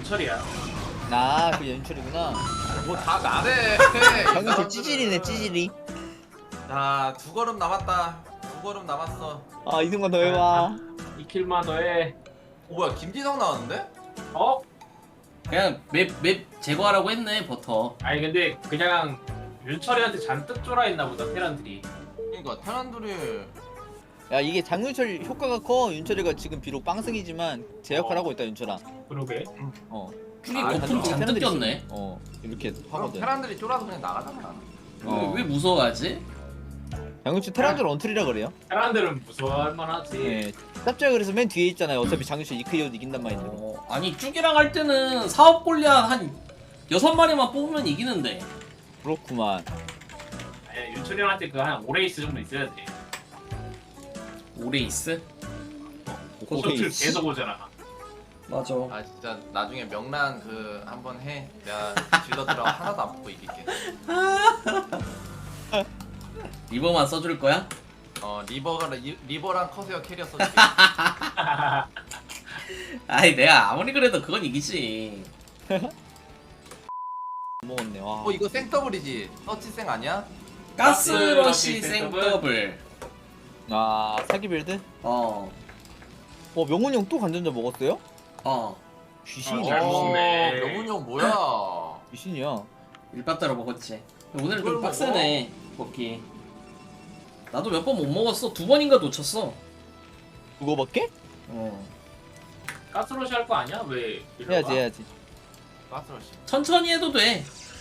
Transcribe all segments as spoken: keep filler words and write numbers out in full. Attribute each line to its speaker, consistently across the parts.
Speaker 1: 윤철이야.
Speaker 2: 나그 연출이구나.
Speaker 3: 뭐 다 나래.
Speaker 2: 방금 그 찌질이네 찌질이.
Speaker 3: 자두 걸음 남았다. 두 걸음 남았어.
Speaker 2: 아 이승만 더 해봐.
Speaker 1: 이 킬만 더해.
Speaker 3: 오 뭐야 김지성 나왔는데?
Speaker 1: 어?
Speaker 4: 그냥 맵, 맵 제거하라고 했네 버터.
Speaker 1: 아니 근데 그냥 윤철이한테 잔뜩 쫄아있나 보다 테란들이.
Speaker 3: 그러니까 테란들이
Speaker 2: 야 이게 장윤철 효과가 커. 윤철이가 지금 비록 빵승이지만 제 역할 하고 있다 윤철아.
Speaker 1: 그러게.
Speaker 2: 어.
Speaker 4: 쿨이
Speaker 3: 아,
Speaker 4: 거품
Speaker 2: 잔뜩
Speaker 4: 잔뜩
Speaker 2: 테란들이
Speaker 4: 꼈네.
Speaker 2: 있어. 어 이렇게
Speaker 3: 그럼
Speaker 2: 하거든.
Speaker 3: 테란들이 쫄아서 그냥 나가잖아.
Speaker 2: 어.
Speaker 4: 왜, 왜 무서워하지?
Speaker 2: 장윤철 테란줄 언틀이라 그래요?
Speaker 1: 테란들은 무서워할 만하지.
Speaker 2: 네. 짭짤 그래서 맨 뒤에 있잖아요. 어차피 장윤철 이크이어도 이긴단 마인드로.
Speaker 4: 어, 아니 쭉이랑 할 때는 사업 골리앗 한 여섯 마리만 뽑으면 이기는데.
Speaker 2: 그렇구만.
Speaker 1: 아니 윤철이한테 그 한 오레이스 정도 있어야 돼.
Speaker 4: 오레이스?
Speaker 1: 고소출
Speaker 2: 오레이스.
Speaker 1: 계속 오잖아.
Speaker 4: 맞아.
Speaker 3: 아 진짜 나중에 명란 그 한번 해. 내가 질러들어 하나도 안 뽑고 이길게.
Speaker 4: 리버만 써줄 거야?
Speaker 3: 어 리버가 리, 리버랑 커세어 캐리어 써줄게.
Speaker 4: 아이 내가 아무리 그래도 그건 이기지.
Speaker 2: 먹었네. 와.
Speaker 3: 어 이거 생더블이지? 서치생 아니야?
Speaker 4: 가스러시
Speaker 1: 가스러시
Speaker 4: 생더블.
Speaker 2: 아 사기 빌드?
Speaker 4: 어.
Speaker 2: 어 명훈이 형 또 간전자 먹었어요?
Speaker 4: 어.
Speaker 2: 귀신이네.
Speaker 1: 잘 먹네.
Speaker 3: 명훈이 형 뭐야?
Speaker 2: 귀신이야.
Speaker 4: 일바따로 먹었지. 오늘은
Speaker 3: 그걸
Speaker 4: 좀 빡세네 먹기. 나도 몇 번 못 먹었어. 두 번인가 놓쳤어.
Speaker 2: 그거밖에?
Speaker 4: 어.
Speaker 1: 가스로시 할 거 아니야? 왜 이러고
Speaker 2: 해야지
Speaker 1: 와?
Speaker 2: 해야지.
Speaker 3: 가스러시.
Speaker 4: 천천히 해도 돼.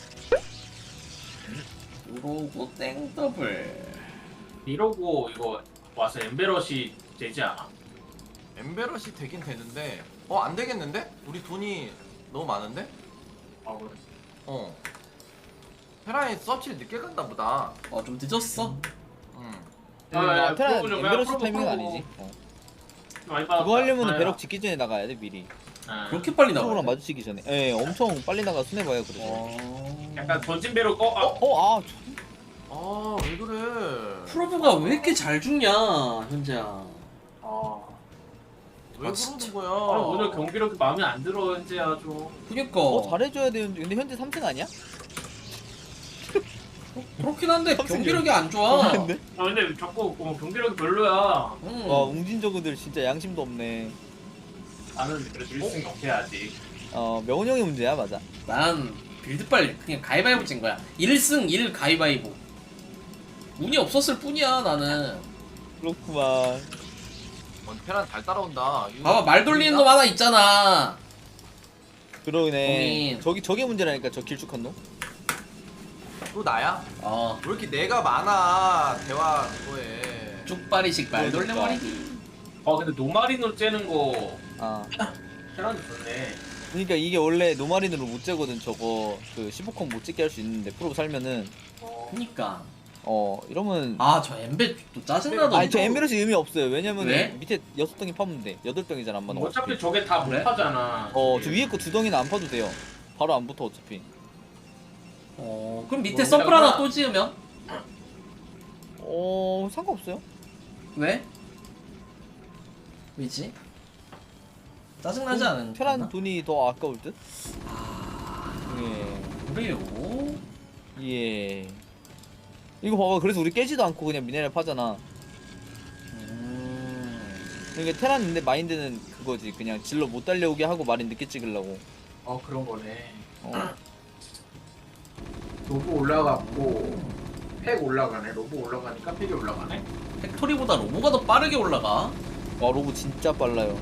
Speaker 4: 그러고 땡더블.
Speaker 1: 이러고 이거 와서 엠베러시 되지 않아?
Speaker 3: 엠베러시 되긴 되는데 어 안 되겠는데? 우리 돈이 너무 많은데?
Speaker 1: 아 그래.
Speaker 3: 어. 테라에 서치를 늦게 간다 보다.
Speaker 4: 어 좀 늦었어.
Speaker 3: 응.
Speaker 1: 아, 야,
Speaker 2: 아, 테란
Speaker 1: 프로브 좀, 야,
Speaker 2: 엠베러시
Speaker 1: 프로브,
Speaker 2: 타이밍은
Speaker 1: 프로브.
Speaker 2: 아니지. 어.
Speaker 1: 많이 받았다.
Speaker 2: 그거 하려면
Speaker 1: 아,
Speaker 2: 배럭 짓기 전에 나가야 돼 미리.
Speaker 1: 아.
Speaker 4: 그렇게 빨리 나와.
Speaker 2: 프로랑 마주치기 전에. 예, 엄청 빨리 나가 손해봐요 그래서.
Speaker 4: 어...
Speaker 1: 약간 던진 배로 꺼. 아,
Speaker 2: 어, 아,
Speaker 3: 아 왜 그래?
Speaker 4: 프로브가 왜 이렇게 잘 죽냐 현재야.
Speaker 1: 아.
Speaker 3: 왜
Speaker 4: 아,
Speaker 3: 그러는
Speaker 4: 진짜.
Speaker 3: 거야?
Speaker 1: 아, 오늘 경기 이렇게 마음에 안 들어 현재 아주.
Speaker 4: 그니까
Speaker 2: 어 잘해줘야 되는데 근데 현재 삼 승 아니야?
Speaker 4: 그렇긴 한데
Speaker 2: 삼승이야.
Speaker 4: 경기력이 안 좋아.
Speaker 2: 근데?
Speaker 1: 아 근데 자꾸 어, 경기력이 별로야.
Speaker 4: 응.
Speaker 2: 와 웅진저그들 진짜 양심도 없네.
Speaker 1: 나는 그래도 일 승 넘겨야지.
Speaker 2: 어 명훈 형이 문제야 맞아.
Speaker 4: 난 빌드빨 그냥 가위바위보 찐 거야. 일 승 일 가위바위보. 운이 없었을 뿐이야 나는.
Speaker 2: 그렇구만.
Speaker 3: 어, 테란 잘 따라온다. 이거
Speaker 4: 봐봐 말 돌리는 놈 하나 있잖아.
Speaker 2: 그러네.
Speaker 4: 형님.
Speaker 2: 저기 저게 문제라니까 저 길쭉한 놈.
Speaker 3: 또 나야?
Speaker 4: 어
Speaker 3: 왜 이렇게 내가 많아 대화 그거에.
Speaker 4: 쪽발이식 말 돌려버리기.
Speaker 1: 아 근데 노마리노 째는 거
Speaker 2: 아.
Speaker 1: 테란이 좋네.
Speaker 2: 그러니까 이게 원래 노마린으로 못 재거든 저거 그 십오 컴 못 찍게 할 수 있는데 프로 살면은
Speaker 1: 어.
Speaker 4: 그니까.
Speaker 2: 어 이러면
Speaker 4: 아 저 엠베 또 짜증나던데.
Speaker 2: 아니 저 엠베러시 의미 없어요. 왜냐면
Speaker 4: 왜?
Speaker 2: 밑에 여섯 덩이 파면 돼. 여덟 덩이잖아 안 맞는 거.
Speaker 1: 어차피 저게 다 못
Speaker 4: 그래?
Speaker 1: 하잖아.
Speaker 2: 어저 위에 거 두 덩이는 안 파도 돼요. 바로 안 붙어 어차피.
Speaker 4: 어 그럼 밑에
Speaker 1: 뭐,
Speaker 4: 서플
Speaker 1: 그러구나.
Speaker 4: 하나 또 지으면?
Speaker 2: 어 상관없어요.
Speaker 4: 왜? 왜지? 짜증나지 않은
Speaker 2: 테란 돈이 더 아까울 듯?
Speaker 4: 그래요?
Speaker 2: 예. 예. 이거 봐봐. 그래서 우리 깨지도 않고 그냥 미네랄 파잖아.
Speaker 4: 음...
Speaker 2: 그러니까 테란 근데 마인드는 그거지. 그냥 질러 못 달려오게 하고 마린 늦게 찍으려고.
Speaker 1: 어 그런 거네.
Speaker 2: 어.
Speaker 1: 로브 올라갔고 팩 올라가네. 로브 올라가니까 팩이 올라가네.
Speaker 4: 팩토리보다 로보가 더 빠르게 올라가.
Speaker 2: 와 로브 진짜 빨라요.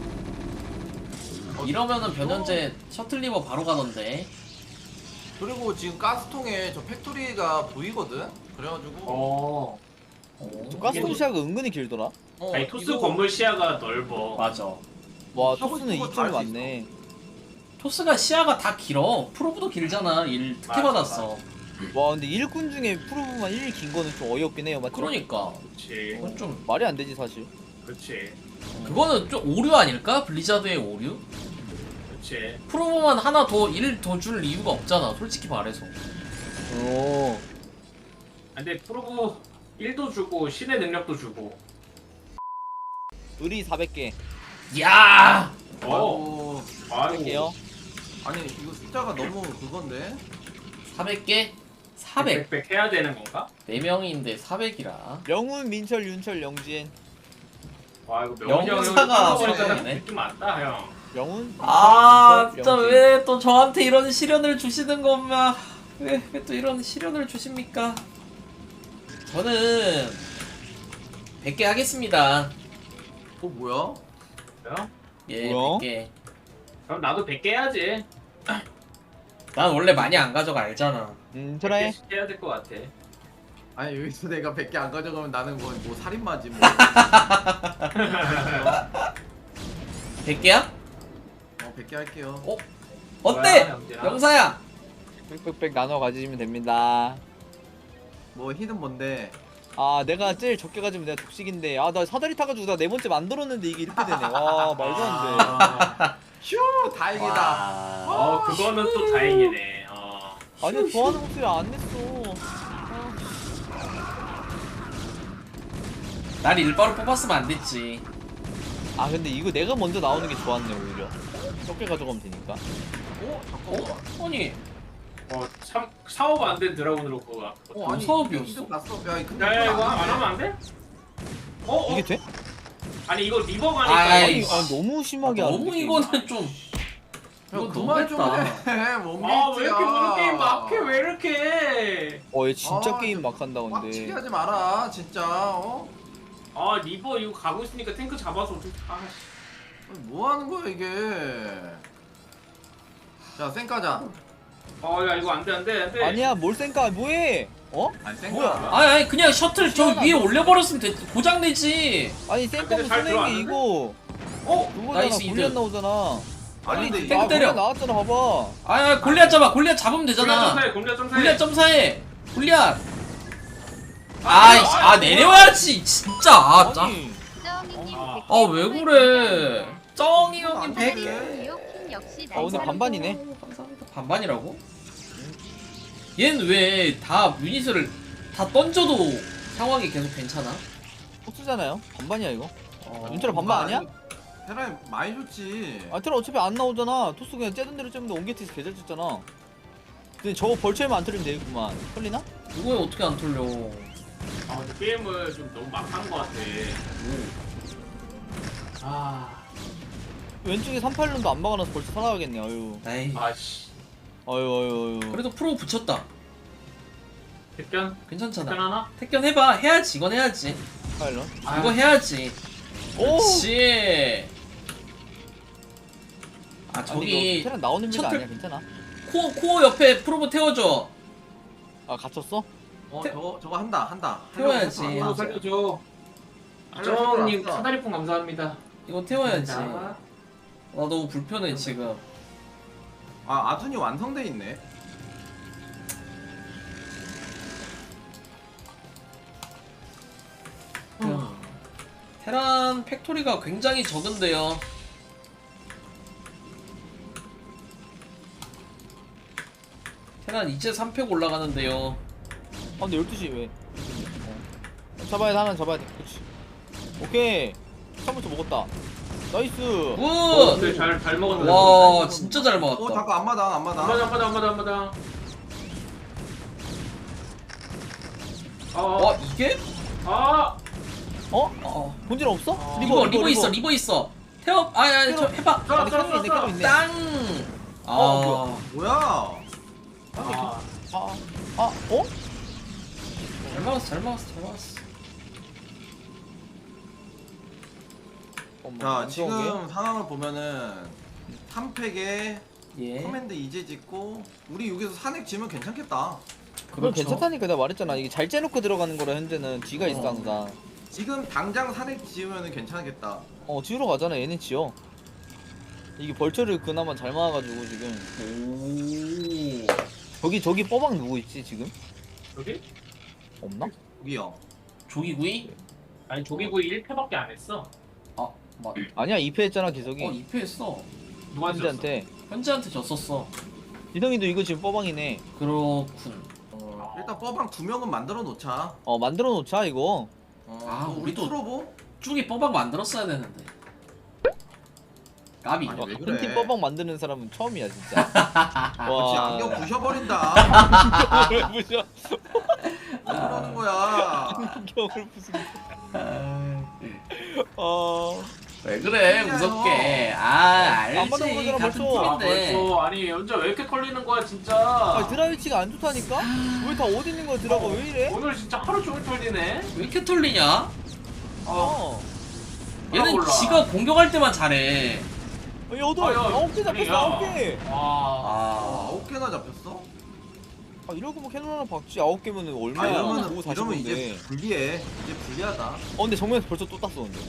Speaker 4: 이러면은 변현재 셔틀리버 바로 가던데.
Speaker 3: 그리고 지금 가스통에 저 팩토리가 보이거든. 그래가지고.
Speaker 1: 어.
Speaker 4: 어,
Speaker 2: 저 가스통
Speaker 1: 이게-
Speaker 2: 시야가 은근히 길더라.
Speaker 3: 어,
Speaker 1: 아니 토스
Speaker 3: 이거-
Speaker 1: 건물 시야가 넓어.
Speaker 4: 맞아.
Speaker 2: 와
Speaker 3: 하고
Speaker 2: 토스는
Speaker 3: 싶은 거
Speaker 2: 이
Speaker 3: 다
Speaker 2: 점이
Speaker 3: 할수
Speaker 2: 많네.
Speaker 4: 토스가 시야가 다 길어. 프로브도 길잖아. 일 특혜
Speaker 1: 맞아,
Speaker 4: 받았어.
Speaker 2: 와 근데 일꾼 중에 프로브만 일 긴 거는 좀 어이없긴 해요 맞죠?
Speaker 4: 그러니까.
Speaker 1: 그렇지.
Speaker 4: 그건 좀
Speaker 2: 말이 안 되지 사실.
Speaker 1: 그렇지.
Speaker 4: 그거는 좀 오류 아닐까? 블리자드의 오류?
Speaker 1: 그렇지.
Speaker 4: 프로브만 하나 더 일 더 줄 이유가 없잖아. 솔직히 말해서.
Speaker 2: 오.
Speaker 1: 근데 프로브 일도 주고 신의 능력도 주고.
Speaker 2: 의리 사백 개.
Speaker 4: 야!
Speaker 1: 어.
Speaker 3: 아이고.
Speaker 1: 아이고.
Speaker 2: 할게요.
Speaker 3: 아니 이거 숫자가 너무 그건데.
Speaker 4: 사백 개? 사백.
Speaker 1: 백 해야 되는 건가?
Speaker 4: 네 명인데 사백이라.
Speaker 2: 영훈, 민철, 윤철, 영진.
Speaker 1: 와 이거 명훈이 형이
Speaker 4: 영사가
Speaker 1: 보니까
Speaker 4: 사백이네.
Speaker 1: 느낌 왔다 형.
Speaker 2: 영훈.
Speaker 4: 아
Speaker 2: 민철,
Speaker 4: 진짜
Speaker 2: 영진.
Speaker 4: 왜 또 저한테 이런 시련을 주시는 겁니까? 왜 왜 또 이런 시련을 주십니까? 저는 백 개 하겠습니다.
Speaker 3: 어 뭐야?
Speaker 1: 그래요?
Speaker 4: 예,
Speaker 2: 뭐야?
Speaker 4: 백 개.
Speaker 1: 그럼 나도 백 개 해야지.
Speaker 4: 난 원래 많이 안 가져가 알잖아.
Speaker 2: 음,
Speaker 1: 백
Speaker 2: 트라이.
Speaker 1: 개씩 해야 될 것 같아.
Speaker 3: 아니 여기서 내가 백 개 안 가져가면 나는 뭐, 뭐 살인마지 뭐.
Speaker 4: 백 개야?
Speaker 3: 어 백 개 할게요.
Speaker 4: 어? 어때?
Speaker 1: 뭐야, 영진아?
Speaker 4: 영사야.
Speaker 2: 빽빽빽 나눠 가지시면 됩니다.
Speaker 3: 뭐 히든 뭔데?
Speaker 2: 아, 내가 제일 적게 가지면 내가 독식인데. 아, 나 사다리 타가지고 나 네 번째 만들었는데 이게 이렇게 되네. 와, 말도 안 돼.
Speaker 1: 아,
Speaker 3: 휴 다행이다.
Speaker 4: 와.
Speaker 1: 어 그거는 또 다행이네. 어.
Speaker 2: 아니, 좋아하는 목소리 안 냈어.
Speaker 4: 날 일바로 뽑았으면 안 됐지.
Speaker 2: 아, 근데 이거 내가 먼저 나오는 게 좋았네, 오히려. 적게 가져가면 되니까.
Speaker 3: 어 잠깐만.
Speaker 4: 어? 아니
Speaker 1: 어 참 사업 안 된 드라군으로 그거.
Speaker 3: 어 아니
Speaker 4: 사업이었어?
Speaker 3: 히든 갔어. 야 근데
Speaker 1: 야, 야 이거
Speaker 3: 이건
Speaker 1: 안
Speaker 3: 돼.
Speaker 1: 하면 안 돼? 어? 어?
Speaker 2: 이게 돼?
Speaker 1: 아니 이거 리버가니까.
Speaker 4: 아이,
Speaker 2: 아니, 아, 너무 심하게
Speaker 4: 아,
Speaker 2: 하는데.
Speaker 4: 너무
Speaker 2: 게임.
Speaker 4: 이거는 좀
Speaker 3: 야
Speaker 4: 이거
Speaker 3: 그만 좀
Speaker 4: 너무했다.
Speaker 3: 해. 뭔
Speaker 1: 아 왜 이렇게 모는 게임 막해 왜 이렇게 해?
Speaker 2: 어, 얘 진짜
Speaker 3: 아,
Speaker 2: 게임 막 한다,
Speaker 3: 빡치게
Speaker 2: 근데.
Speaker 3: 하지 마라 진짜. 어?
Speaker 1: 아 리버 이거 가고 있으니까 탱크 잡아서 어떻게 아 씨.
Speaker 3: 뭐 하는 거야 이게? 자 쌩까자.
Speaker 1: 어야 이거 안돼 안돼 안돼.
Speaker 2: 아니야, 뭘 생까, 뭐해? 어?
Speaker 3: 아니 쌩까.
Speaker 2: 뭐야?
Speaker 4: 아니 아니 그냥 셔틀 저
Speaker 2: 시원하다.
Speaker 4: 위에 올려버렸으면 됐 고장 내지.
Speaker 2: 아니,
Speaker 1: 근데
Speaker 2: 생까면
Speaker 1: 잘
Speaker 2: 쓰는 게
Speaker 1: 들어왔는데?
Speaker 2: 이거.
Speaker 1: 어?
Speaker 2: 그거잖아,
Speaker 4: 나이스
Speaker 2: 골리앗
Speaker 4: 이득.
Speaker 2: 나오잖아.
Speaker 3: 아니 근데
Speaker 4: 땡
Speaker 2: 아,
Speaker 4: 때려.
Speaker 2: 골리앗 나왔잖아, 봐봐.
Speaker 4: 아니 아니 골리앗 잡아. 골리앗 잡으면
Speaker 1: 골리앗
Speaker 4: 되잖아.
Speaker 1: 점사해 골리앗 점사해.
Speaker 4: 골리앗 점사해. 골리앗. 아이씨 아 내려와야지 진짜. 아 짜.
Speaker 2: 아니,
Speaker 5: 쩌옹이님
Speaker 1: 아.
Speaker 5: 백 개
Speaker 4: 아 왜 그래? 쩡이 형님
Speaker 3: 안
Speaker 4: 백
Speaker 3: 돼.
Speaker 4: 개.
Speaker 5: 유효킹 역시
Speaker 2: 아, 오늘
Speaker 5: 날
Speaker 2: 반반이네.
Speaker 4: 감사합니다. 반반이라고? 얘는 왜 다 유닛을 다 던져도 상황이 계속 괜찮아?
Speaker 2: 폭수잖아요. 반반이야, 이거.
Speaker 4: 어...
Speaker 2: 윤철아 반반 아니야?
Speaker 3: 테라이 많이 좋지.
Speaker 2: 아, 테라 어차피 안 나오잖아. 토스 그냥 째던 대로 째면 옹게티스 개잘 쳤잖아. 근데 저거 벌초에만 안 틀리면 되겠구만. 털리나?
Speaker 4: 이거에 어떻게 안 털려?
Speaker 1: 아 근데 게임을 좀 너무 막한 것 같아. 아
Speaker 2: 왼쪽에 삼팔run도 안 막아놔서 벌써 살아가겠네. 아유.
Speaker 4: 에이.
Speaker 1: 아씨.
Speaker 2: 아유, 아유, 아유.
Speaker 4: 그래도 프로 붙였다.
Speaker 1: 택견
Speaker 4: 괜찮잖아.
Speaker 1: 택견 하나?
Speaker 4: 택견 해봐. 해야지. 이건 해야지.
Speaker 2: 파일런.
Speaker 1: 아,
Speaker 4: 이거 해야지.
Speaker 2: 오!
Speaker 4: 그렇지. 아
Speaker 2: 아니,
Speaker 4: 저기
Speaker 2: 이거 테란 나오는 미가
Speaker 4: 셔틀-
Speaker 2: 아니야. 괜찮아.
Speaker 4: 코어 코어 옆에 프로보 태워줘.
Speaker 2: 아, 갇혔어?
Speaker 3: 어
Speaker 4: 태-
Speaker 3: 저거 저거 한다 한다.
Speaker 4: 태워야지.
Speaker 3: 하려고
Speaker 1: 아,
Speaker 3: 했어,
Speaker 1: 살려줘.
Speaker 3: 살려줘,
Speaker 1: 아정님
Speaker 3: 알았어.
Speaker 1: 사다리풍 감사합니다.
Speaker 4: 이거 태워야지.
Speaker 1: 자,
Speaker 4: 나 너무 불편해 지금.
Speaker 3: 아 아둔이 완성돼 있네.
Speaker 4: 음. 테란 팩토리가 굉장히 적은데요. 테란 이제 삼 팩 올라가는데요.
Speaker 2: 아, 근데 열두 시 왜? 어. 잡아야 돼, 하나 잡아야 돼. 그렇지. 오케이. 처음부터 먹었다. 나이스.
Speaker 1: 어,
Speaker 4: 굿!
Speaker 1: 근데 잘, 잘 먹었네.
Speaker 4: 와 진짜 잘
Speaker 3: 어
Speaker 4: 먹었다.
Speaker 3: 잠깐 앞마당 앞마당.
Speaker 1: 안마다 안마다 안마다 안마다. 아,
Speaker 4: 와 이게?
Speaker 1: 아,
Speaker 2: 어?
Speaker 4: 어.
Speaker 2: 본질 없어?
Speaker 1: 어.
Speaker 4: 리버 리버 있어 리버 있어. 태워 아야 저 해봐.
Speaker 1: 써,
Speaker 2: 아니,
Speaker 1: 써,
Speaker 2: 캐논
Speaker 1: 써,
Speaker 2: 있네,
Speaker 1: 써.
Speaker 2: 캐논 있네.
Speaker 4: 땅. 아.
Speaker 2: 어,
Speaker 3: 뭐야?
Speaker 1: 아,
Speaker 2: 아, 아, 어?
Speaker 4: 잘 막았어 잘 막았어 잘 막았어.
Speaker 2: 어머,
Speaker 3: 자
Speaker 2: 안
Speaker 3: 지금
Speaker 2: 좋은 게?
Speaker 3: 상황을 보면은 삼 팩에
Speaker 4: 예.
Speaker 3: 커맨드 이제 짓고 우리 여기서 산액 지면 괜찮겠다.
Speaker 2: 그건 괜찮다니까. 내가 말했잖아. 이게 잘 째놓고 들어가는 거라 현재는 뒤가 있어
Speaker 4: 어.
Speaker 2: 항상.
Speaker 3: 지금 당장 산액 지으면은 괜찮겠다.
Speaker 2: 어, 지우러 가잖아. 얘네 지어. 이게 벌처를 그나마 잘 막아가지고 지금.
Speaker 4: 오.
Speaker 2: 저기 저기 뻐박 누구 있지 지금?
Speaker 1: 여기?
Speaker 2: 없나?
Speaker 3: 여기요.
Speaker 4: 조기구이?
Speaker 1: 아니 조기구이 일 패밖에 안 했어.
Speaker 4: 아 맞.
Speaker 2: 아니야, 이 패 했잖아 기석이.
Speaker 4: 어 이 패 했어.
Speaker 1: 누가 졌어?
Speaker 2: 현재한테.
Speaker 4: 현지한테 졌었어.
Speaker 2: 기성이도 이거 지금 뻐방이네.
Speaker 4: 그렇군.
Speaker 3: 어, 일단 뻐방 두 명은 만들어 놓자.
Speaker 2: 어, 만들어 놓자 이거.
Speaker 3: 어,
Speaker 4: 아,
Speaker 3: 또 우리
Speaker 4: 우리도-
Speaker 3: 트로보?
Speaker 4: 쭉이 뻐박 만들었어야 되는데. 까비.
Speaker 3: 아니, 왜
Speaker 2: 큰
Speaker 3: 그래?
Speaker 2: 팀 뻐벅 만드는 사람은 처음이야 진짜.
Speaker 3: 그렇지 안경 부셔버린다.
Speaker 2: 왜 부셔?
Speaker 3: 왜 그러는 거야?
Speaker 2: 안경을 부수는.
Speaker 4: 아,
Speaker 2: 어.
Speaker 4: 왜 그래 무섭게. 아
Speaker 2: 안 받아
Speaker 4: 알지
Speaker 2: 보잖아,
Speaker 4: 같은
Speaker 2: 벌써.
Speaker 1: 아
Speaker 4: 팀인데.
Speaker 1: 벌써 아니 연자 왜 이렇게 털리는 거야 진짜.
Speaker 2: 아 드라이치가 안 좋다니까? 왜 다 어디 있는 거야 드라가 왜 이래?
Speaker 1: 오늘 진짜 하루 종일 털리네.
Speaker 4: 왜 이렇게 털리냐?
Speaker 2: 어.
Speaker 4: 얘는
Speaker 1: 몰라.
Speaker 4: 지가 공격할 때만 잘해.
Speaker 2: 어, 여덟,
Speaker 1: 아, 야,
Speaker 2: 아홉 개 잡혔어
Speaker 1: 아니야.
Speaker 2: 아홉 개.
Speaker 1: 와.
Speaker 4: 아
Speaker 3: 아홉 개나 잡혔어?
Speaker 2: 아 이러고 뭐 캐논 하나 박지 아홉 개면은
Speaker 3: 아
Speaker 2: 얼마야?
Speaker 3: 이러면
Speaker 2: 오
Speaker 3: 이러면 이제
Speaker 2: 사십인데.
Speaker 3: 불리해. 이제 불리하다.
Speaker 2: 어 근데 정면에서 벌써 또 땄어 근데.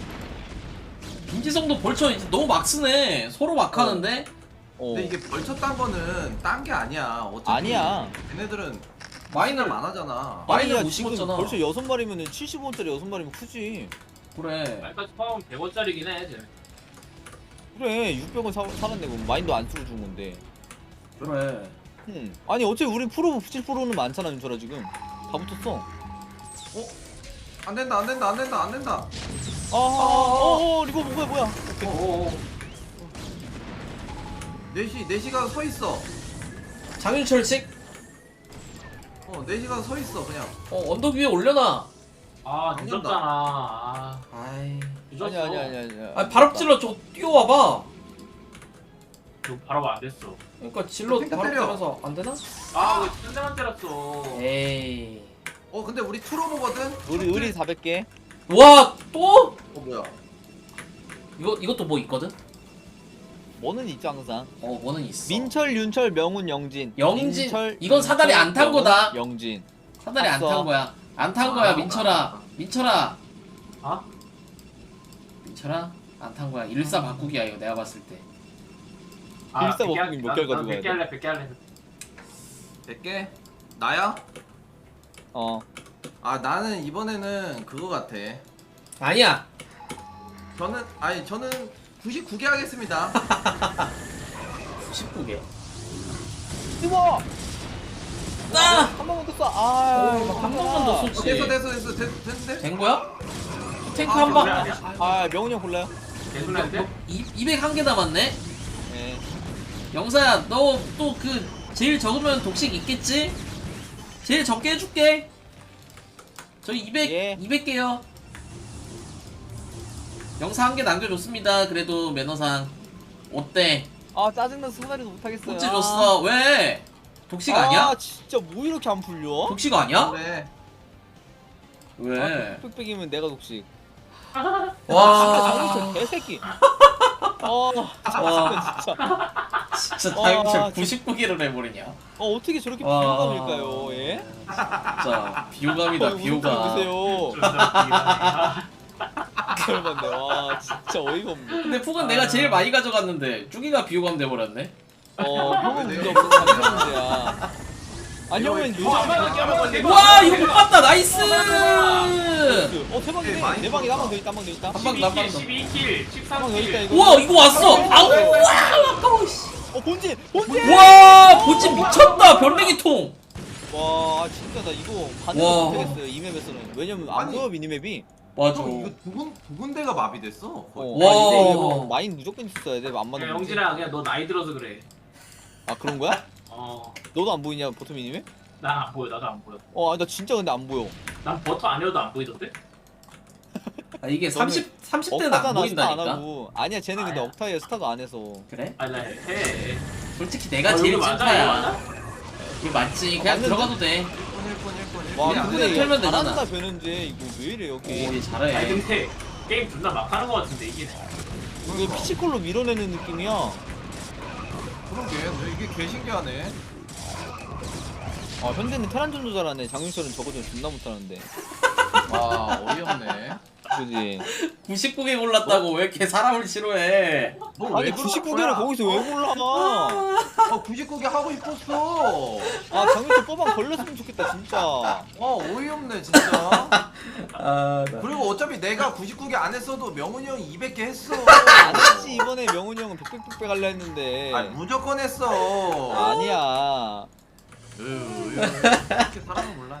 Speaker 4: 김지성도 벌써 이제 너무 막 쓰네. 서로 막 하는데.
Speaker 2: 어.
Speaker 3: 근데 이게 벌쳐 딴 거는 딴 게 아니야. 어차피
Speaker 2: 아니야.
Speaker 3: 걔네들은
Speaker 4: 마인을
Speaker 3: 안 하잖아.
Speaker 4: 마인을
Speaker 2: 아니야
Speaker 4: 못
Speaker 2: 지금
Speaker 4: 심었잖아.
Speaker 2: 벌써 여섯 마리면은 칠십 원짜리 여섯 마리면 크지.
Speaker 4: 그래.
Speaker 1: 말까지 포함하면 백 원짜리긴 해. 쟤.
Speaker 2: 그래 육백 원 사, 살았네 그럼 마인도 안 쓰고 준 건데.
Speaker 4: 그래.
Speaker 2: 응. 아니 어차피 우리 프로 칠 프로는 많잖아 윤철아 지금. 다 붙었어.
Speaker 3: 어? 안 된다 안 된다 안 된다 안 된다.
Speaker 2: 아, 어, 어, 이거 뭐야 뭐야. 오케이.
Speaker 1: 오오오.
Speaker 3: 넷이 넷이가 서 있어.
Speaker 4: 장윤철 칙.
Speaker 3: 어 넷이가 서 있어 그냥.
Speaker 4: 어 언덕 위에 올려놔.
Speaker 1: 아
Speaker 3: 안
Speaker 1: 늦었잖아. 아
Speaker 4: 아이.
Speaker 1: 늦었어.
Speaker 2: 아니야 아니야 아니야 아니야.
Speaker 4: 아 바로 찔러 저거 뛰어와봐.
Speaker 1: 이거 바로 안 됐어.
Speaker 4: 그러니까 질러
Speaker 3: 탱크
Speaker 4: 바로
Speaker 3: 때려.
Speaker 4: 때려서 안 되나?
Speaker 1: 아왜 한 대만 때렸어.
Speaker 4: 에이.
Speaker 3: 어 근데 우리 트로보거든.
Speaker 2: 우리 우리 사백 개.
Speaker 4: 와 또?
Speaker 3: 어 뭐야?
Speaker 4: 이거 이것도 뭐 있거든?
Speaker 2: 뭐는 있죠 항상.
Speaker 4: 어 뭐는 있어.
Speaker 2: 민철, 윤철, 명훈, 영진.
Speaker 4: 영진.
Speaker 2: 민철,
Speaker 4: 이건 사다리
Speaker 2: 윤철,
Speaker 4: 안탄
Speaker 2: 명훈,
Speaker 4: 거다.
Speaker 2: 영진.
Speaker 4: 사다리 안
Speaker 2: 봤어.
Speaker 4: 탄 거야. 안 탄 거야
Speaker 3: 아,
Speaker 4: 민철아.
Speaker 3: 아.
Speaker 4: 민철아.
Speaker 1: 아?
Speaker 4: 민철아 안 탄 거야. 일사 바꾸기야 이거 내가 봤을 때.
Speaker 1: 아,
Speaker 2: 일사
Speaker 1: 백 개
Speaker 2: 먹으면 몇
Speaker 1: 할-
Speaker 2: 개를
Speaker 1: 나- 나
Speaker 2: 가지고
Speaker 1: 백 개
Speaker 2: 가야
Speaker 1: 할래 백 개 할래.
Speaker 3: 백 개? 나야?
Speaker 2: 어.
Speaker 3: 아 나는 이번에는 그거 같아.
Speaker 4: 아니야.
Speaker 3: 저는 아니 저는 구십구 개 하겠습니다.
Speaker 4: 십구 개.
Speaker 2: 이거
Speaker 4: 아!
Speaker 2: 한 번만 더 쏴. 아,
Speaker 4: 한 번만 더
Speaker 3: 어,
Speaker 4: 쏘지.
Speaker 3: 됐어 됐어 됐어 됐, 됐는데?
Speaker 4: 된 거야? 탱크
Speaker 3: 아,
Speaker 4: 한 방.
Speaker 1: 그래, 아니야?
Speaker 2: 아, 명훈이 형 골라요?
Speaker 1: 개소리인데?
Speaker 4: 이백일 개 남았네.
Speaker 2: 네.
Speaker 4: 영사야 너 또 그 제일 적으면 독식 있겠지? 제일 적게 해줄게. 저희 이백
Speaker 2: 예.
Speaker 4: 이백 개요. 영사 한 개 남겨줬습니다. 그래도 매너상 어때?
Speaker 2: 아, 짜증나서 사다리도 못 하겠어요.
Speaker 4: 꼴찌 줬어. 왜? 독식 아니야?
Speaker 2: 아, 진짜 뭐 이렇게 안 풀려?
Speaker 4: 독식 아니야?
Speaker 3: 그래.
Speaker 4: 왜?
Speaker 2: 빽빽이면 내가 독식.
Speaker 4: 와
Speaker 2: 장윤철 개새끼. 어,
Speaker 4: 와.
Speaker 2: 진짜.
Speaker 4: 진짜
Speaker 2: 와,
Speaker 4: 다임철
Speaker 2: 진짜.
Speaker 4: 구십구 개를 해버리냐?
Speaker 2: 어, 어떻게 저렇게
Speaker 4: 와.
Speaker 2: 비호감일까요? 예?
Speaker 4: 진짜 비호감이다
Speaker 2: 어,
Speaker 4: 비호감.
Speaker 2: 보세요.
Speaker 1: 아,
Speaker 2: 얼마인데? 와, 진짜 어이가 없네.
Speaker 4: 근데 푹은 내가 제일 많이 가져갔는데 쭈기가 비호감 돼버렸네.
Speaker 2: 어, 형은
Speaker 3: 네.
Speaker 2: 문제 없어. 자기 문제야. 아니, 형은 요즘.
Speaker 1: 어, 한 방에 한 방에 대박.
Speaker 4: 와 이거 못 봤다 나이스.
Speaker 2: 어, 대박이네.
Speaker 3: 네, 많이
Speaker 2: 내 방에 한방
Speaker 3: 들었다.
Speaker 2: 더 있다, 한 방 더 있다.
Speaker 4: 한 방, 한 방.
Speaker 1: 십이 킬, 십삼
Speaker 2: 한방 더 있다,
Speaker 1: 킬.
Speaker 2: 이거.
Speaker 4: 우와 이거 왔어. 아우 와 아까워. 씨.
Speaker 2: 어, 본진! 본진!
Speaker 4: 와 본진 미쳤다 별내기 통.
Speaker 2: 와, 진짜 나 이거 반응
Speaker 4: 와.
Speaker 2: 못하겠어요, 이 맵에서는. 왜냐면 안
Speaker 3: 아니.
Speaker 2: 보여, 미니맵이.
Speaker 4: 맞아.
Speaker 3: 형 이거 두 군, 두 군데가 마비됐어.
Speaker 2: 어,
Speaker 3: 거의.
Speaker 4: 와.
Speaker 2: 아, 근데 이거 마인 무조건 있어야 돼, 안
Speaker 1: 야,
Speaker 2: 맞는
Speaker 1: 영진아 그냥 너 나이 들어서 그래.
Speaker 2: 아, 그런 거야?
Speaker 1: 어,
Speaker 2: 너도 안 보이냐, 보통 미니맵?
Speaker 1: 난 안 보여, 나도 안 보여.
Speaker 2: 어, 아니, 나 진짜 근데 안 보여.
Speaker 1: 난 버터 아니어도 안 보이던데?
Speaker 4: 아, 이게
Speaker 2: 너는
Speaker 4: 삼십 삼십 대는 안
Speaker 2: 억타잖아, 스타 안
Speaker 4: 보인다니까.
Speaker 2: 하고. 아니야, 쟤는 근데
Speaker 1: 아야.
Speaker 2: 억타에 스타도 안 해서.
Speaker 4: 그래?
Speaker 1: 아니 나 해.
Speaker 4: 솔직히 내가
Speaker 1: 어,
Speaker 4: 제일
Speaker 1: 이거 맞아, 이거
Speaker 4: 찐파야.
Speaker 1: 맞아?
Speaker 4: 이거 맞지.
Speaker 2: 어,
Speaker 4: 그냥
Speaker 2: 맞는데?
Speaker 4: 들어가도 돼.
Speaker 3: 일 분 일 분 일 분.
Speaker 2: 와,
Speaker 4: 그냥
Speaker 2: 근데
Speaker 4: 그냥 털면 되잖아.
Speaker 2: 잘한다, 변현재. 이거 왜 이래, 여기.
Speaker 4: 오,
Speaker 1: 아니
Speaker 4: 잘해.
Speaker 1: 근데 게임 존나 막 하는 거 같은데 이게.
Speaker 2: 이거 피치콜로 밀어내는 느낌이야.
Speaker 3: 그러게 너 이게 개 신기하네.
Speaker 2: 아, 현재는 테란전도 잘하네. 장윤철은 저거는 존나 못하는데.
Speaker 3: 와 어이없네.
Speaker 2: 그지?
Speaker 4: 구십구 개 골랐다고 왜 이렇게 사람을 싫어해?
Speaker 2: 아니, 구십구 개를 거기서 왜 골라?
Speaker 3: 어 구십구 개 하고 싶었어.
Speaker 2: 아, 장윤철 뽑아 걸렸으면 좋겠다, 진짜.
Speaker 3: 와 어이없네 진짜.
Speaker 4: 아,
Speaker 3: 그리고 어차피 내가 구십구 개 안 했어도 명훈이 형이 이백 개 했어.
Speaker 2: 안 했지, 이번에 명훈이 형은 백백백백 할라 했는데.
Speaker 3: 아 무조건 했어.
Speaker 2: 아니야.
Speaker 3: 으, 으, 이렇게 사람은 몰라.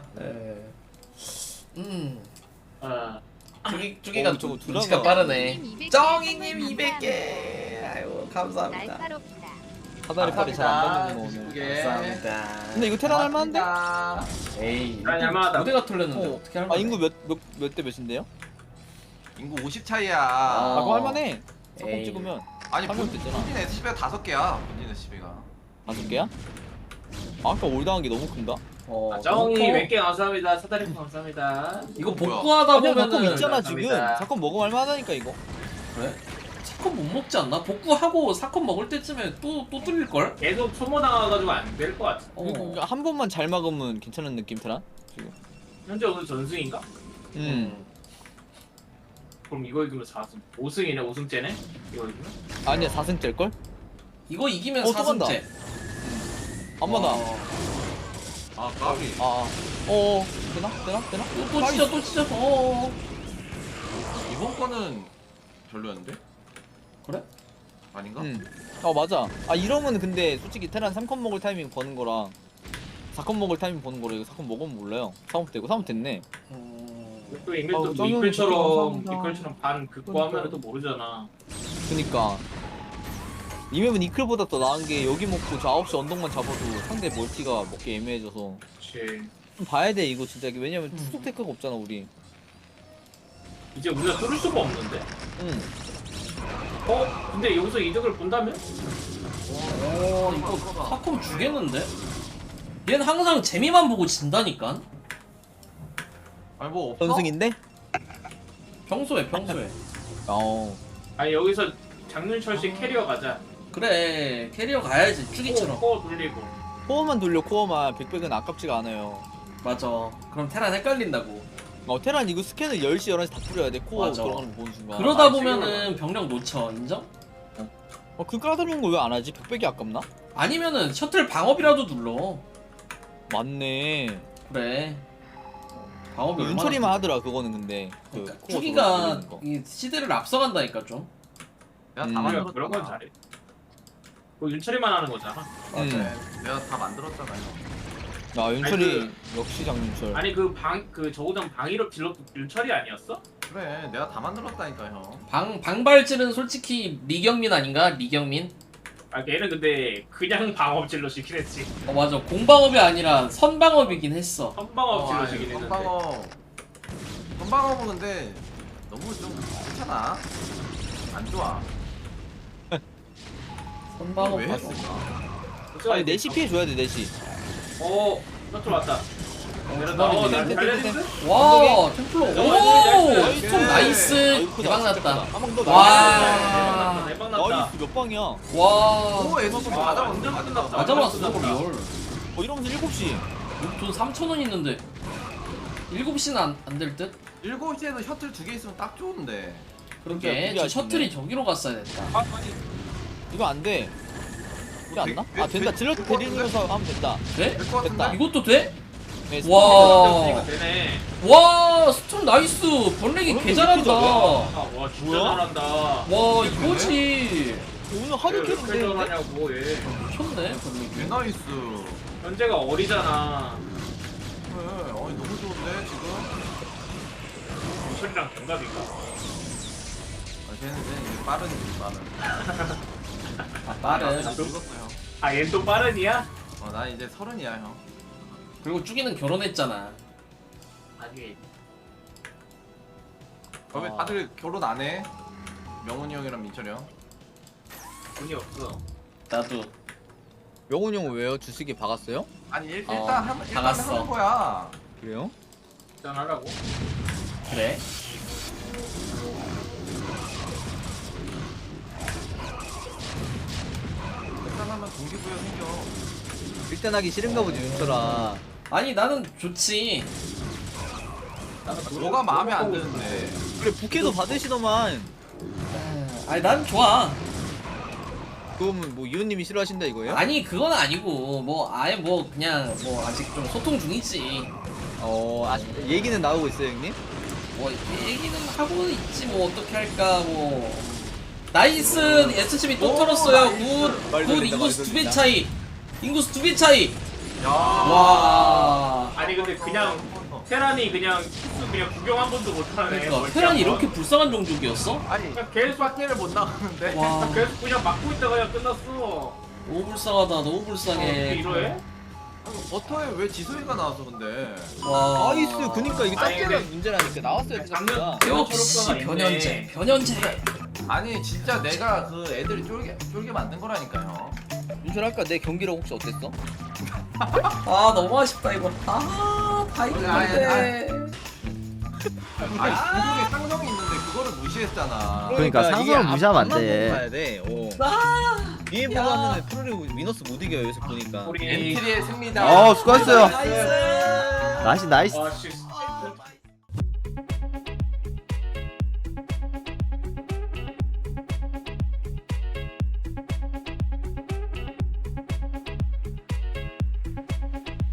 Speaker 4: 음.
Speaker 1: 어.
Speaker 4: 쭈기 쭈기가
Speaker 2: 어, 저거
Speaker 4: 눈치가
Speaker 2: 드라마.
Speaker 4: 빠르네. 정이님 이백 개. 감사합니다.
Speaker 5: 날카롭다.
Speaker 2: 사다리 팔이 잘 안 받는 거 오늘.
Speaker 3: 예.
Speaker 2: 네. 근데 이거 테란 할만한데?
Speaker 4: 에이
Speaker 1: 아니, 할만하다.
Speaker 4: 무대가 털렸는데
Speaker 2: 어.
Speaker 4: 어떻게 할
Speaker 2: 아
Speaker 4: 만해?
Speaker 2: 인구 몇 몇 몇 대 몇인데요?
Speaker 3: 인구 오십 차이야.
Speaker 2: 아
Speaker 4: 어.
Speaker 2: 그거 할만해. 사건
Speaker 4: 에이.
Speaker 2: 찍으면
Speaker 3: 아니
Speaker 2: 하면
Speaker 3: 본-
Speaker 2: 되잖아.
Speaker 3: 본진 에스씨비가 다섯 개야. 본진 에스씨비가.
Speaker 2: 다섯 개야? 아, 아까 올당한 게 너무 큰가?
Speaker 4: 어,
Speaker 1: 아, 정이
Speaker 4: 복구?
Speaker 1: 몇 개 감사합니다. 사다리 감사합니다.
Speaker 4: 이거
Speaker 3: 뭐야?
Speaker 4: 복구하다
Speaker 2: 아니야 사건
Speaker 4: 보면은
Speaker 2: 있잖아 지금.
Speaker 1: 감사합니다.
Speaker 2: 사건 먹으면 할만하다니까 이거.
Speaker 4: 그래? 사건 못 먹지 않나? 복구하고 사건 먹을 때쯤에 또 또 뚫릴 걸?
Speaker 1: 계속 소모당해가지고 안 될 것 같아.
Speaker 4: 어.
Speaker 2: 이거 한 번만 잘 막으면 괜찮은 느낌 테란? 지금.
Speaker 1: 현재 오늘 전승인가?
Speaker 2: 음.
Speaker 1: 그럼 이거 이기면 사 승. 오 승이네, 오 승째네? 이거 이기면?
Speaker 2: 아니야 사 승째일 걸?
Speaker 4: 이거 이기면
Speaker 2: 어, 또 간다.
Speaker 4: 사승째.
Speaker 2: 안마다.
Speaker 4: 어.
Speaker 3: 아 까비.
Speaker 2: 아. 어. 어. 되나? 되나? 되나?
Speaker 4: 또, 또 찢어 또 찢어. 어.
Speaker 3: 이번 거는 별로였는데?
Speaker 4: 그래?
Speaker 3: 아닌가?
Speaker 2: 응. 어 맞아. 아 이러면 근데 솔직히 테란 삼 컷 먹을 타이밍 버는 거랑 사 컷 먹을 타이밍 버는 거랑 이거 사 컷 먹으면 몰라요. 사업 되고 사업 됐네.
Speaker 4: 음.
Speaker 1: 또 이밀
Speaker 2: 아우,
Speaker 1: 또
Speaker 2: 정영이
Speaker 1: 이끌처럼
Speaker 2: 감사합니다.
Speaker 1: 이끌처럼 반 긋고 하면 또 모르잖아.
Speaker 2: 그니까 이 맵은 이클보다 더 나은 게 여기 먹고 저 아홉 시 언덕만 잡아도 상대 멀티가 먹기 애매해져서
Speaker 1: 그치.
Speaker 2: 좀 봐야 돼 이거 진짜. 왜냐면 투속 테크가 없잖아 우리.
Speaker 1: 이제 우리가 뚫을 수가 없는데?
Speaker 2: 응.
Speaker 1: 어? 근데 여기서 이득을 본다면?
Speaker 4: 어 이거 사건 주겠는데? 얘는 항상 재미만 보고 진다니까?
Speaker 3: 아니 뭐 없어?
Speaker 2: 전승인데?
Speaker 4: 평소에 평소에.
Speaker 2: 어.
Speaker 1: 아니 여기서 장윤철 씨 캐리어 가자.
Speaker 4: 그래 캐리어 가야지 쭈기처럼.
Speaker 1: 코어, 코어 돌리고.
Speaker 2: 코어만 돌려 코어만. 백백은 아깝지가 않아요.
Speaker 4: 맞아. 그럼 테란 헷갈린다고.
Speaker 2: 어 테란 이거 스캔을 열 시 열한 시 다 뿌려야 돼. 코어
Speaker 4: 맞아.
Speaker 2: 들어가는 거 보는 순간.
Speaker 4: 그러다
Speaker 1: 아,
Speaker 4: 보면은 병력 놓쳐 인정?
Speaker 2: 어그 까다로운 거 왜 안 하지? 백백이 아깝나?
Speaker 4: 아니면은 셔틀 방업이라도 눌러.
Speaker 2: 맞네.
Speaker 4: 그래. 방업이 얼마나
Speaker 2: 윤철이만 하더라 그거는 근데. 그
Speaker 4: 그러니까
Speaker 2: 코어
Speaker 4: 쭈기가
Speaker 2: 돌리는 거.
Speaker 4: 이 시대를 앞서간다니까 좀.
Speaker 3: 내가
Speaker 2: 음.
Speaker 3: 다
Speaker 1: 우리가
Speaker 3: 만들었잖아.
Speaker 1: 그런 건 잘해. 뭐 윤철이만 하는 거잖아.
Speaker 2: 음.
Speaker 3: 내가 다 만들었잖아요.
Speaker 2: 아 윤철이
Speaker 1: 아니,
Speaker 2: 역시 장윤철.
Speaker 1: 아니 그 방 그 저우전 방위로 딜러 윤철이 아니었어?
Speaker 3: 그래 내가 다 만들었다니까 형.
Speaker 4: 방 방발질은 솔직히 리경민 아닌가? 리경민?
Speaker 1: 아 걔는 근데 그냥 방업질로 시긴 했지.
Speaker 4: 어 맞아. 공방업이 아니라 선방업이긴 했어.
Speaker 1: 선방업질로 시긴 했는데.
Speaker 3: 선방어. 선방어는 근데 너무 좀 괜찮아. 안 좋아.
Speaker 4: 선방업
Speaker 3: 왜
Speaker 4: 봤어.
Speaker 3: 했을까?
Speaker 2: 아니 넷시 피해 줘야 돼 넷시.
Speaker 1: 어, 너좀 왔다. 내렸다.
Speaker 4: 주방이네.
Speaker 1: 어, 난
Speaker 2: 템,
Speaker 1: 달려있어?
Speaker 2: 템, 템.
Speaker 4: 와 템플러.
Speaker 1: 나이스,
Speaker 4: 오
Speaker 1: 나이스.
Speaker 4: 스톰 나이스.
Speaker 2: 아이쿠,
Speaker 4: 대박 났다.
Speaker 2: 한방 더.
Speaker 4: 와.
Speaker 1: 대박 났다.
Speaker 2: 나이스 몇 방이야? 어
Speaker 4: 와.
Speaker 3: 오 에스씨
Speaker 1: 와,
Speaker 3: 맞아
Speaker 1: 완전
Speaker 3: 맞아
Speaker 1: 끝났다.
Speaker 4: 맞아 봤어
Speaker 1: 끝났다.
Speaker 4: 리얼.
Speaker 2: 이러면서 일곱 시.
Speaker 4: 돈 삼천 원 있는데 일곱 시는 안 안 될 듯?
Speaker 3: 일곱 시에도 셔틀 두 개 있으면 딱 좋은데.
Speaker 4: 그러게
Speaker 2: 그게
Speaker 4: 저
Speaker 2: 아쉽네.
Speaker 4: 셔틀이 저기로 갔어야 됐다.
Speaker 2: 아 아니 이거 안 돼. 이게 안 나?
Speaker 3: 되-
Speaker 2: 아 된다.
Speaker 3: 되-
Speaker 2: 질러
Speaker 3: 될것
Speaker 2: 데리면서 하면 된다.
Speaker 4: 돼?
Speaker 3: 될 것 같은데?
Speaker 2: 됐다.
Speaker 4: 이것도 돼?
Speaker 2: 네,
Speaker 4: 와.
Speaker 1: 이거 되네.
Speaker 4: 와 스톰 나이스. 번렉이
Speaker 2: 번렉이
Speaker 4: 개 잘한다.
Speaker 2: 이렇게
Speaker 4: 와
Speaker 1: 아, 와 진짜
Speaker 2: 뭐야?
Speaker 1: 잘한다.
Speaker 4: 이거지.
Speaker 2: 오늘 하루
Speaker 1: 왜
Speaker 2: 캐는
Speaker 1: 이렇게
Speaker 2: 데
Speaker 1: 잘하냐고 얘.
Speaker 4: 미쳤네
Speaker 3: 개
Speaker 4: 번렉이.
Speaker 3: 나이스.
Speaker 1: 현재가 어리잖아.
Speaker 3: 그래. 어이 너무 좋은데 지금.
Speaker 1: 윤철이랑 동갑인가?
Speaker 3: 아, 쟤는 쟤는 이제 빠른 빠른.
Speaker 4: 아 빠른.
Speaker 3: 나 늙었어요.
Speaker 1: 아, 얘 또 빠른이야?
Speaker 3: 어, 나 이제 서른이야 형.
Speaker 4: 그리고 쭈기는 결혼했잖아.
Speaker 1: 아니.
Speaker 3: 어, 왜
Speaker 2: 아.
Speaker 3: 다들 결혼 안 해? 명훈이 형이랑 민철이 형.
Speaker 1: 돈이 없어.
Speaker 4: 나도.
Speaker 2: 명훈이 형 왜요? 주식이 박았어요?
Speaker 3: 아니 일,
Speaker 4: 어,
Speaker 3: 일단 한 일단
Speaker 4: 박았어.
Speaker 3: 하는 거야.
Speaker 2: 그래요?
Speaker 1: 일단 하라고.
Speaker 4: 그래.
Speaker 3: 일단 하면 동기부여 생겨.
Speaker 2: 일단 하기 싫은가 보지 윤철아.
Speaker 4: 아니 나는 좋지.
Speaker 3: 뭐가 마음에 안 드는데.
Speaker 2: 그래 부캐도 받으시더만.
Speaker 4: 아니 난 좋아.
Speaker 2: 그러면 뭐 이웃님이 싫어하신다 이거예요?
Speaker 4: 아니 그건 아니고 뭐 아예 뭐 그냥 뭐 아직 좀 소통 중이지.
Speaker 2: 어 아직 얘기는 나오고 있어요 형님?
Speaker 4: 뭐 얘기는 하고 있지 뭐 어떻게 할까 뭐. 나이스 에스씨비 또
Speaker 3: 오,
Speaker 4: 털었어요.
Speaker 3: 나이스.
Speaker 4: 굿.
Speaker 2: 말도
Speaker 4: 굿
Speaker 2: 안 된다,
Speaker 4: 인구수
Speaker 2: 말도
Speaker 4: 두
Speaker 2: 안
Speaker 4: 배
Speaker 2: 된다.
Speaker 4: 차이. 인구수 두 배 차이.
Speaker 3: 야.
Speaker 4: 와.
Speaker 1: 아니 근데 그냥 테란이 그냥 키스 그냥 구경 한 번도 못하네.
Speaker 4: 그러니까
Speaker 1: 멀티
Speaker 4: 테란이
Speaker 1: 한 번.
Speaker 4: 이렇게 불쌍한 종족이었어?
Speaker 3: 아니
Speaker 1: 그냥 계속
Speaker 3: 밖에를 못 나가는데.
Speaker 4: 와
Speaker 1: 계속 그냥 막고 있다가 그냥 끝났어.
Speaker 4: 너무 불쌍하다 너무
Speaker 1: 어떻게
Speaker 4: 불쌍해
Speaker 1: 이러해?
Speaker 3: 아니, 버터에 왜 지소희가 나와서 근데?
Speaker 4: 와
Speaker 2: 나이스. 그니까 이게
Speaker 1: 아니,
Speaker 2: 짭짤한
Speaker 1: 근데-
Speaker 2: 문제라니까 나왔어야 돼. 짭짤.
Speaker 4: 역시
Speaker 1: 초록과가
Speaker 4: 변현재
Speaker 1: 있네.
Speaker 4: 변현재
Speaker 3: 아니 진짜 내가 그 애들이 쫄게 쫄게 만든 거라니까요.
Speaker 2: 윤철 아까 내 경기력 혹시 어땠어?
Speaker 4: 아 너무 아쉽다 이거 아다
Speaker 3: 아니,
Speaker 4: 이겼는데
Speaker 3: 아니 종족에 상성이 있는데 그거를 무시했잖아.
Speaker 5: 그러니까
Speaker 2: 이게
Speaker 5: 상성을 무시하면 안
Speaker 2: 앞만
Speaker 5: 돼.
Speaker 2: 보고 가야 돼. 어.
Speaker 4: 아
Speaker 2: 위에 보고
Speaker 4: 야.
Speaker 2: 하면 프로리 위너스 못 이겨요. 여기서 보니까.
Speaker 1: 우리
Speaker 3: 엔트리의 승리다.
Speaker 5: 어 수고했어요.
Speaker 4: 나이스
Speaker 5: 나이스 나이스.
Speaker 1: 아 씨.